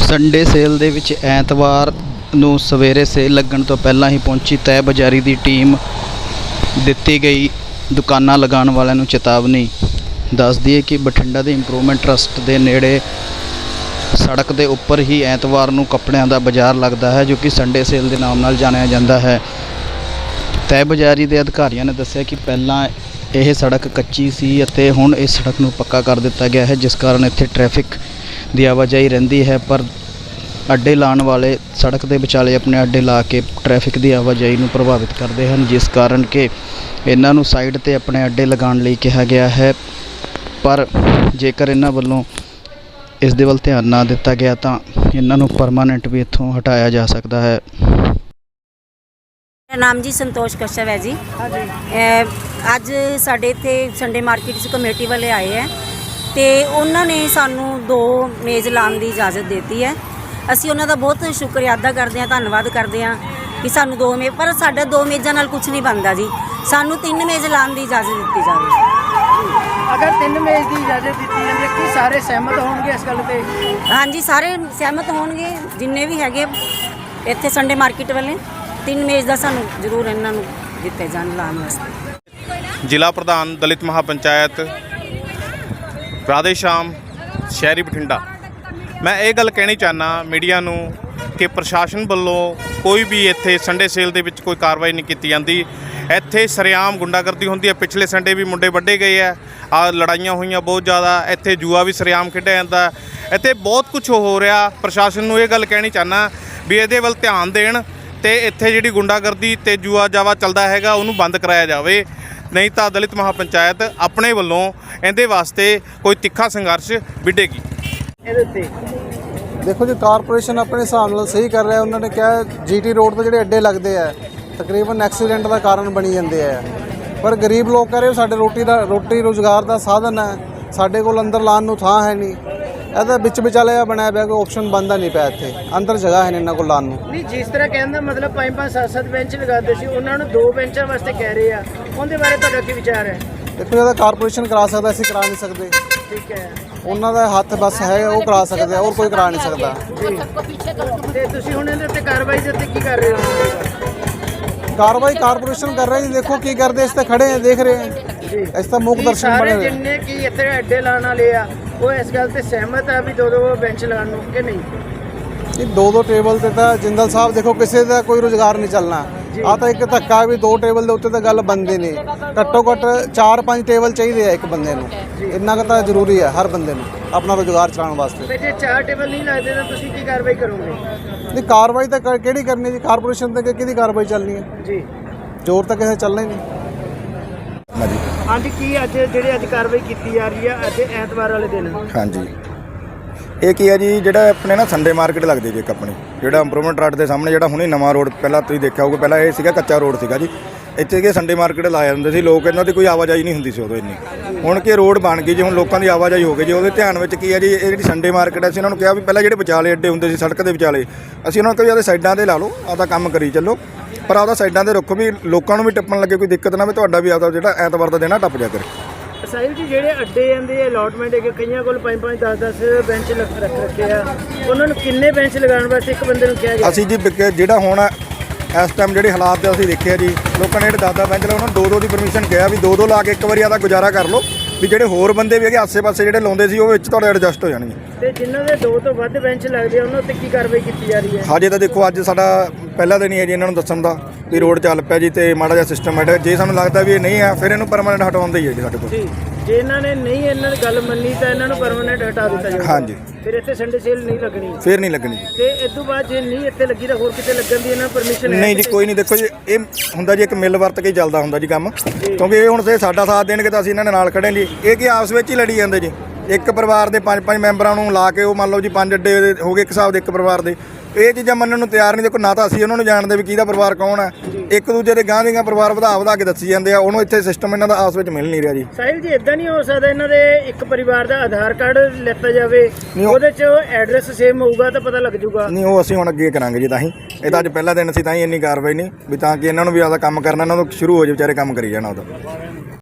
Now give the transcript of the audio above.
Sunday sale ਦੇ ਵਿੱਚ ਐਤਵਾਰ ਨੂੰ ਸਵੇਰੇ ਸੇਲ ਲੱਗਣ ਤੋਂ ਪਹਿਲਾਂ ਹੀ ਪਹੁੰਚੀ ਤੈਅ ਬਜ਼ਾਰੀ ਦੀ ਟੀਮ। ਦਿੱਤੀ ਗਈ ਦੁਕਾਨਾਂ ਲਗਾਉਣ ਵਾਲਿਆਂ ਨੂੰ ਚੇਤਾਵਨੀ। ਦੱਸ ਦਈਏ ਕਿ ਬਠਿੰਡਾ ਦੇ ਇੰਪਰੂਵਮੈਂਟ ਟਰਸਟ ਦੇ ਨੇੜੇ ਸੜਕ ਦੇ ਉੱਪਰ ਹੀ ਐਤਵਾਰ ਨੂੰ ਕੱਪੜਿਆਂ ਦਾ ਬਾਜ਼ਾਰ ਲੱਗਦਾ ਹੈ, ਜੋ ਕਿ ਸੰਡੇ ਸੇਲ ਦੇ ਨਾਮ ਨਾਲ ਜਾਣਿਆ ਜਾਂਦਾ ਹੈ। ਤੈਅ ਬਜ਼ਾਰੀ ਦੇ ਅਧਿਕਾਰੀਆਂ ਨੇ ਦੱਸਿਆ ਕਿ ਪਹਿਲਾਂ ਇਹ ਸੜਕ ਕੱਚੀ ਸੀ ਅਤੇ ਹੁਣ ਇਸ ਸੜਕ ਨੂੰ ਪੱਕਾ ਕਰ ਦਿੱਤਾ ਗਿਆ ਹੈ, ਜਿਸ ਕਾਰਨ ਇੱਥੇ ਟ੍ਰੈਫਿਕ ਦੀ ਆਵਾਜਾਈ ਰਹਿੰਦੀ ਹੈ। ਪਰ ਅੱਡੇ ਲਾਉਣ ਵਾਲੇ ਸੜਕ ਦੇ ਵਿਚਾਲੇ ਆਪਣੇ ਅੱਡੇ ਲਾ ਕੇ ਟ੍ਰੈਫਿਕ ਦੀ ਆਵਾਜਾਈ ਨੂੰ ਪ੍ਰਭਾਵਿਤ ਕਰਦੇ ਹਨ, ਜਿਸ ਕਾਰਨ ਕਿ ਇਹਨਾਂ ਨੂੰ ਸਾਈਡ 'ਤੇ ਆਪਣੇ ਅੱਡੇ ਲਗਾਉਣ ਲਈ ਕਿਹਾ ਗਿਆ ਹੈ। ਪਰ ਜੇਕਰ ਇਹਨਾਂ ਵੱਲੋਂ ਇਸ ਦੇ ਵੱਲ ਧਿਆਨ ਨਾ ਦਿੱਤਾ ਗਿਆ ਤਾਂ ਇਹਨਾਂ ਨੂੰ ਪਰਮਾਨੈਂਟ ਵੀ ਇੱਥੋਂ ਹਟਾਇਆ ਜਾ ਸਕਦਾ ਹੈ। ਮੇਰਾ ਨਾਮ ਜੀ ਸੰਤੋਸ਼ ਕਸ਼ਪ ਹੈ ਜੀ। ਅੱਜ ਸਾਡੇ ਇੱਥੇ ਸੰਡੇ ਮਾਰਕੀਟ 'ਚ ਕਮੇਟੀ ਵਾਲੇ ਆਏ ਹੈ ਅਤੇ ਉਹਨਾਂ ਨੇ ਸਾਨੂੰ 2 ਮੇਜ਼ ਲਾਉਣ ਦੀ ਇਜਾਜ਼ਤ ਦਿੱਤੀ ਹੈ। ਅਸੀਂ ਉਹਨਾਂ ਦਾ ਬਹੁਤ ਸ਼ੁਕਰੀਆ ਅਦਾ ਕਰਦੇ ਹਾਂ, ਧੰਨਵਾਦ ਕਰਦੇ ਹਾਂ ਕਿ ਸਾਨੂੰ 2 ਮੇਜ਼, ਪਰ ਸਾਡਾ 2 ਮੇਜ਼ਾਂ ਨਾਲ ਕੁਝ ਨਹੀਂ ਬਣਦਾ ਜੀ। ਸਾਨੂੰ 3 ਮੇਜ਼ ਲਾਉਣ ਦੀ ਇਜਾਜ਼ਤ ਦਿੱਤੀ ਜਾਵੇ। ਅਗਰ 3 ਮੇਜ਼ ਦੀ ਇਜਾਜ਼ਤ ਦਿੱਤੀ ਜਾਂਦੀ ਹੈ ਕਿ ਸਾਰੇ ਸਹਿਮਤ ਹੋਣਗੇ ਇਸ ਗੱਲ 'ਤੇ? ਹਾਂਜੀ, ਸਾਰੇ ਸਹਿਮਤ ਹੋਣਗੇ, ਜਿੰਨੇ ਵੀ ਹੈਗੇ ਇੱਥੇ ਸੰਡੇ ਮਾਰਕੀਟ ਵਾਲੇ। 3 ਮੇਜ਼ ਦਾ ਸਾਨੂੰ ਜ਼ਰੂਰ ਇਹਨਾਂ ਨੂੰ ਦਿੱਤੇ ਜਾਣ ਲਾਉਣ ਵਾਸਤੇ। ਜ਼ਿਲ੍ਹਾ ਪ੍ਰਧਾਨ ਦਲਿਤ ਮਹਾਪੰਚਾਇਤ ਰਾਧੇ ਸ਼ਾਮ ਸ਼ਹਿਰੀ ਬਠਿੰਡਾ। ਮੈਂ ਇਹ ਗੱਲ ਕਹਿਣੀ ਚਾਹੁੰਦਾ ਮੀਡੀਆ ਨੂੰ ਕਿ ਪ੍ਰਸ਼ਾਸਨ ਵੱਲੋਂ ਕੋਈ ਵੀ ਇੱਥੇ ਸੰਡੇ ਸੇਲ ਦੇ ਵਿੱਚ ਕੋਈ ਕਾਰਵਾਈ ਨਹੀਂ ਕੀਤੀ ਜਾਂਦੀ। ਇੱਥੇ ਸਰੇਆਮ ਗੁੰਡਾਗਰਦੀ ਹੁੰਦੀ ਹੈ। ਪਿਛਲੇ ਸੰਡੇ ਵੀ ਮੁੰਡੇ ਵੱਢੇ ਗਏ ਆ, ਲੜਾਈਆਂ ਹੋਈਆਂ ਬਹੁਤ ਜ਼ਿਆਦਾ। ਇੱਥੇ ਜੂਆ ਵੀ ਸਰੇਆਮ ਖੇਡਿਆ ਜਾਂਦਾ। ਇੱਥੇ ਬਹੁਤ ਕੁਝ ਹੋ ਰਿਹਾ। ਪ੍ਰਸ਼ਾਸਨ ਨੂੰ ਇਹ ਗੱਲ ਕਹਿਣੀ ਚਾਹੁੰਦਾ ਵੀ ਇਹਦੇ ਵੱਲ ਧਿਆਨ ਦੇਣ ਅਤੇ ਇੱਥੇ ਜਿਹੜੀ ਗੁੰਡਾਗਰਦੀ ਅਤੇ ਜੂਆ ਜਾਵਾ ਚੱਲਦਾ ਹੈਗਾ ਉਹਨੂੰ ਬੰਦ ਕਰਾਇਆ ਜਾਵੇ, ਨਹੀਂ ਤਾਂ ਦਲਿਤ ਮਹਾਪੰਚਾਇਤ ਆਪਣੇ ਵੱਲੋਂ ਇਹਦੇ ਵਾਸਤੇ ਕੋਈ ਤਿੱਖਾ ਸੰਘਰਸ਼ ਵਿੱਢੇਗੀ। ਇਹਦੇ ਉੱਤੇ ਦੇਖੋ ਜੀ, ਕਾਰਪੋਰੇਸ਼ਨ ਆਪਣੇ ਹਿਸਾਬ ਨਾਲ ਸਹੀ ਕਰ ਰਿਹਾ। ਉਹਨਾਂ ਨੇ ਕਿਹਾ GT ਰੋਡ 'ਤੇ ਜਿਹੜੇ ਅੱਡੇ ਲੱਗਦੇ ਆ ਤਕਰੀਬਨ ਐਕਸੀਡੈਂਟ ਦਾ ਕਾਰਨ ਬਣੀ ਜਾਂਦੇ ਆ, ਪਰ ਗਰੀਬ ਲੋਕ ਕਹ ਰਹੇ ਸਾਡੇ ਰੋਟੀ ਰੋਜ਼ਗਾਰ ਦਾ ਸਾਧਨ ਹੈ, ਸਾਡੇ ਕੋਲ ਅੰਦਰ ਲਾਉਣ ਨੂੰ ਥਾਂ ਹੈ ਨਹੀਂ। ਇਹਦਾ ਵਿੱਚ ਵਿਚਾਲੇ ਬਣਾਇਆ ਪਿਆ, ਕੋਈ ਆਪਸ਼ਨ ਬਣਦਾ ਨਹੀਂ ਪਿਆ। ਇੱਥੇ ਅੰਦਰ ਜਗ੍ਹਾ ਹੈ ਨਹੀਂ ਇਹਨਾਂ ਕੋਲ ਲਾਉਣ ਨੂੰ। ਨਹੀਂ, ਜਿਸ ਤਰ੍ਹਾਂ ਕਹਿਣ ਦਾ ਮਤਲਬ 5-5 7-7 ਬੈਂਚ ਲਗਾਉਂਦੇ ਸੀ, ਉਹਨਾਂ ਨੂੰ 2 ਬੈਂਚਾਂ ਵਾਸਤੇ ਕਹਿ ਰਹੇ ਆ। ਉਹਦੇ ਬਾਰੇ ਤੁਹਾਡਾ ਕੀ ਵਿਚਾਰ ਹੈ? ਦੇਖੋ, ਇਹਦਾ ਕਾਰਪੋਰੇਸ਼ਨ ਕਰਾ ਸਕਦਾ, ਅਸੀਂ ਕਰਾ ਨਹੀਂ ਸਕਦੇ। ਠੀਕ ਹੈ, ਉਹਨਾਂ ਦਾ ਹੱਥ ਬਸ ਹੈ, ਉਹ ਕਰਾ ਸਕਦੇ ਆ, ਹੋਰ ਕੋਈ ਕਰਾ ਨਹੀਂ ਸਕਦਾ। ਤੇ ਤੁਸੀਂ ਹੁਣ ਇਹਦੇ ਉੱਤੇ ਕਾਰਵਾਈ ਦੇ ਉੱਤੇ ਕੀ ਕਰ ਰਹੇ ਹੋ? ਕਾਰਵਾਈ ਕਾਰਪੋਰੇਸ਼ਨ ਕਰ ਰਹੀ। ਦੇਖੋ ਕੀ ਕਰਦੇ, ਇਸ ਤੇ ਖੜੇ ਆ, ਦੇਖ ਰਹੇ ਆ। ਇਸ ਤਾਂ ਮੁੱਖ ਦਰਸ਼ਨ ਬਣੇ ਹੋਏ। ਜਿੰਨੇ ਕੀ ਇੱਥੇ ਅੱਡੇ ਲਾਉਣ ਵਾਲੇ ਆ ਉਹ ਇਸ ਗੱਲ ਤੇ ਸਹਿਮਤ ਆ ਵੀ 2-2 ਬੈਂਚ ਲਗਾਉਣ ਨੂੰ ਕਿ ਨਹੀਂ? ਇਹ 2-2 ਟੇਬਲ ਤੇ ਤਾਂ ਜਿੰਦਲ ਸਾਹਿਬ ਦੇਖੋ ਕਿਸੇ ਦਾ ਕੋਈ ਰੁਜ਼ਗਾਰ ਨਹੀਂ ਚੱਲਣਾ। ਆ ਤਾਂ ਇੱਕ ਧੱਕਾ ਵੀ 2 ਟੇਬਲ ਦੇ ਉੱਤੇ ਤਾਂ ਗੱਲ ਬਣਦੀ ਨਹੀਂ। ਘੱਟੋ ਘੱਟ 4-5 ਟੇਬਲ ਚਾਹੀਦੇ ਆ ਇੱਕ ਬੰਦੇ ਨੂੰ। ਇੰਨਾ ਕੁ ਤਾਂ ਜ਼ਰੂਰੀ ਹੈ ਹਰ ਬੰਦੇ ਨੂੰ ਆਪਣਾ ਰੁਜ਼ਗਾਰ ਚਲਾਉਣ ਵਾਸਤੇ। ਤੇ ਜੇ 4 ਟੇਬਲ ਨਹੀਂ ਲੱਗਦੇ ਤਾਂ ਤੁਸੀਂ ਕੀ ਕਾਰਵਾਈ ਕਰੋਗੇ? ਨਹੀਂ, ਕਾਰਵਾਈ ਤਾਂ ਕਿਹੜੀ ਕਰਨੀ ਜੀ? ਕਾਰਪੋਰੇਸ਼ਨ ਤੇ ਕਿਹਦੀ ਕਾਰਵਾਈ ਚੱਲਣੀ ਹੈ ਜੀ? ਜ਼ੋਰ ਤਾਂ ਕਿਸੇ ਚੱਲਣਾ ਹੀ ਨਹੀਂ। ਹਾਂਜੀ, ਕੀ ਅੱਜ ਕਾਰਵਾਈ ਕੀਤੀ ਜਾ ਰਹੀ ਹੈ ਅੱਜ ਐਤਵਾਰ ਵਾਲੇ ਦਿਨ? ਹਾਂਜੀ, ਇਹ ਕੀ ਹੈ ਜੀ, ਜਿਹੜਾ ਆਪਣੇ ਨਾ ਸੰਡੇ ਮਾਰਕੀਟ ਲੱਗਦੀ ਜੀ ਇੱਕ ਆਪਣੀ, ਜਿਹੜਾ ਇੰਪਰੂਵਮੈਂਟ ਰੋਡ ਦੇ ਸਾਹਮਣੇ ਜਿਹੜਾ ਹੁਣੇ ਨਵਾਂ ਰੋਡ, ਪਹਿਲਾਂ ਤੁਸੀਂ ਦੇਖਿਆ ਹੋਊਗਾ, ਪਹਿਲਾਂ ਇਹ ਸੀਗਾ ਕੱਚਾ ਰੋਡ ਸੀਗਾ ਜੀ। ਇੱਥੇ ਕਿ ਸੰਡੇ ਮਾਰਕੀਟ ਲਾਇਆ ਜਾਂਦੇ ਸੀ ਲੋਕ, ਇਹਨਾਂ ਦੀ ਕੋਈ ਆਵਾਜਾਈ ਨਹੀਂ ਹੁੰਦੀ ਸੀ ਉਦੋਂ ਇੰਨੀ। ਹੁਣ ਕਿ ਰੋਡ ਬਣ ਗਈ ਜੀ, ਹੁਣ ਲੋਕਾਂ ਦੀ ਆਵਾਜਾਈ ਹੋ ਗਈ ਜੀ। ਉਹਦੇ ਧਿਆਨ ਵਿੱਚ ਕੀ ਹੈ ਜੀ, ਇਹ ਜਿਹੜੀ ਸੰਡੇ ਮਾਰਕੀਟ ਹੈ, ਅਸੀਂ ਇਹਨਾਂ ਨੂੰ ਕਿਹਾ ਵੀ ਪਹਿਲਾਂ ਜਿਹੜੇ ਵਿਚਾਲੇ ਅੱਡੇ ਹੁੰਦੇ ਸੀ ਸੜਕ ਦੇ ਵਿਚਾਲੇ, ਅਸੀਂ ਉਹਨਾਂ ਨੂੰ ਕਿਹਾ ਵੀ ਸਾਈਡਾਂ 'ਤੇ ਲਾ ਲਓ, ਆਪਦਾ ਕੰਮ ਕਰੀ ਚੱਲੋ, ਪਰ ਆਪਦਾ ਸਾਈਡਾਂ 'ਤੇ ਰੱਖੋ ਵੀ ਲੋਕਾਂ ਨੂੰ ਵੀ ਟੱਪਣ ਲੱਗੇ ਕੋਈ ਦਿੱਕਤ ਨਾ, ਵੀ ਤੁਹਾਡਾ ਵੀ ਆਪਦਾ ਜਿਹੜਾ ਐਤਵਾਰ ਦਾ ਦਿਨ ਟੱਪ ਜਾ ਕਰੇ। ਸਾਹਿਬ ਜੀ, ਜਿਹੜੇ ਅੱਡੇ ਜਾਂਦੇ ਅਲਾਟਮੈਂਟ ਹੈ ਕਿ ਕਈਆਂ ਕੋਲ 5-5 10-10 ਬੈਂਚ ਰੱਖੇ ਆ, ਉਹਨਾਂ ਨੂੰ ਕਿੰਨੇ ਬੈਂਚ ਲਗਾਉਣ ਵਾਸਤੇ ਇੱਕ ਬੰਦੇ ਨੂੰ ਕਿਹਾ ਗਿਆ? ਅਸੀਂ ਜੀ ਜਿਹੜਾ ਹੁਣ ਇਸ ਟਾਈਮ ਜਿਹੜੇ ਹਾਲਾਤ ਤੇ ਅਸੀਂ ਦੇਖਿਆ ਜੀ, ਲੋਕਾਂ ਨੇ ਜਿਹੜੇ 10-10 ਬੈਂਚ ਲਾਉਣ ਨੂੰ 2-2 ਦੀ ਪਰਮਿਸ਼ਨ ਕਿਹਾ ਵੀ 2-2 ਲਾ ਕੇ ਇੱਕ ਵਾਰੀ ਆਦਾ ਗੁਜ਼ਾਰਾ ਕਰ ਲਓ, ਵੀ ਜਿਹੜੇ ਹੋਰ ਬੰਦੇ ਵੀ ਹੈਗੇ ਆਸੇ-ਪਾਸੇ ਜਿਹੜੇ ਲਾਉਂਦੇ ਸੀ ਉਹ ਵਿੱਚ ਤੁਹਾਡੇ ਐਡਜਸਟ ਹੋ ਜਾਣਗੇ। ਤੇ ਜਿਨ੍ਹਾਂ ਦੇ 2 ਤੋਂ ਵੱਧ ਬੈਂਚ ਲੱਗਦੇ ਆ ਉਹਨਾਂ ਉੱਤੇ ਕੀ ਕਾਰਵਾਈ ਕੀਤੀ ਜਾ ਰਹੀ ਹੈ? ਹਜੇ ਤਾਂ ਦੇਖੋ ਅੱਜ ਸਾਡਾ ਪਹਿਲਾ ਦਿਨ ਹੀ ਹੈ ਜੀ ਇਹਨਾਂ ਨੂੰ ਦੱਸਣ ਦਾ ਵੀ ਰੋਡ ਚੱਲ ਪਿਆ ਜੀ ਤੇ ਮਾੜਾ ਜਿਹਾ ਸਿਸਟਮ ਹੈ। ਜੇ ਸਾਨੂੰ ਲੱਗਦਾ ਵੀ ਇਹ ਨਹੀਂ ਹੈ ਫਿਰ ਇਹਨੂੰ ਪਰਮਾਨੈਂਟ ਹਟਾਉਣ ਦਾ ਹੀ ਹੈ ਜੀ ਸਾਡੇ ਕੋਲ। ਜੀ, ਜੇ ਇਹਨਾਂ ਨੇ ਨਹੀਂ ਇਹਨਾਂ ਦੀ ਗੱਲ ਮੰਨੀ ਤਾਂ ਇਹਨਾਂ ਨੂੰ ਪਰਮਾਨੈਂਟ ਹਟਾ ਦਿੱਤਾ ਜਾਊਗਾ। ਹਾਂਜੀ, ਫਿਰ ਇੱਥੇ ਸੰਡੇ ਸੇਲ ਨਹੀਂ ਲੱਗਣੀ? ਫਿਰ ਨਹੀਂ ਲੱਗਣੀ। ਤੇ ਇਸ ਤੋਂ ਬਾਅਦ ਜੇ ਨਹੀਂ ਇੱਥੇ ਲੱਗੀ ਤਾਂ ਹੋਰ ਕਿਤੇ ਲੱਗਣ ਦੀ ਇਹਨਾਂ ਪਰਮਿਸ਼ਨ ਹੈ? ਨਹੀਂ ਜੀ, ਕੋਈ ਨਹੀਂ। ਦੇਖੋ ਜੀ, ਇਹ ਹੁੰਦਾ ਜੀ ਇੱਕ ਮਿਲ ਵਰਤ ਕੇ ਹੀ ਚੱਲਦਾ ਹੁੰਦਾ ਜੀ ਕੰਮ, ਕਿਉਂਕਿ ਇਹ ਹੁਣ ਸਾਡਾ ਸਾਥ ਦੇਣਗੇ ਤਾਂ ਅਸੀਂ ਇਹਨਾਂ ਦੇ ਨਾਲ ਖੜੇ ਜੀ। ਇਹ ਕੀ ਆਪਸ ਵਿੱਚ ਹੀ ਲੜੀ ਜਾਂਦੇ ਜੀ। ਇੱਕ ਪਰਿਵਾਰ ਦੇ 5-5 ਮੈਂਬਰਾਂ ਨੂੰ ਲਾ ਕੇ ਉਹ ਮੰਨ ਲਓ ਜੀ 5 ਅੱਡੇ ਹੋ ਗਏ ਇੱਕ ਹਿਸਾਬ ਦੇ ਇੱਕ ਪਰਿਵਾਰ ਦੇ। ਇਹ ਚੀਜ਼ਾਂ ਮੰਨਣ ਨੂੰ ਤਿਆਰ ਨਹੀਂ। ਦੇਖੋ, ਨਾ ਤਾਂ ਅਸੀਂ ਉਹਨਾਂ ਨੂੰ ਜਾਣਦੇ ਵੀ ਕਿਹਦਾ ਪਰਿਵਾਰ ਕੌਣ ਹੈ, ਇੱਕ ਦੂਜੇ ਦੇ ਗਾਂਹ ਦੀਆਂ ਪਰਿਵਾਰ ਵਧਾ ਕੇ ਦੱਸੀ ਜਾਂਦੇ ਆ। ਉਹਨੂੰ ਇੱਥੇ ਸਿਸਟਮ ਇਹਨਾਂ ਦਾ ਆਪਸ ਵਿੱਚ ਮਿਲ ਨਹੀਂ ਰਿਹਾ ਜੀ। ਸਾਹਿਲ ਜੀ, ਇਦਾਂ ਨਹੀਂ ਹੋ ਸਕਦਾ ਇਹਨਾਂ ਦੇ ਇੱਕ ਪਰਿਵਾਰ ਦਾ ਆਧਾਰ ਕਾਰਡ ਲੈਤਾ ਜਾਵੇ, ਉਹਦੇ 'ਚ ਐਡਰੈਸ ਸੇਮ ਹੋਊਗਾ ਤਾਂ ਪਤਾ ਲੱਗ ਜਾਊਗਾ? ਨਹੀਂ, ਉਹ ਅਸੀਂ ਹੁਣ ਅੱਗੇ ਕਰਾਂਗੇ ਜੀ। ਤਾਂ ਹੀ ਇਹ ਤਾਂ ਅੱਜ ਪਹਿਲਾ ਦਿਨ ਸੀ, ਤਾਂ ਹੀ ਇੰਨੀ ਕਾਰਵਾਈ ਨਹੀਂ ਵੀ, ਤਾਂ ਕਿ ਇਹਨਾਂ ਨੂੰ ਵੀ ਆਪਦਾ ਕੰਮ ਕਰਨਾ, ਇਹਨਾਂ ਨੂੰ ਸ਼ੁਰੂ ਹੋ ਜਾਵੇ, ਵਿਚਾਰੇ ਕੰਮ ਕਰੀ ਜਾਣਾ ਉਹਦਾ।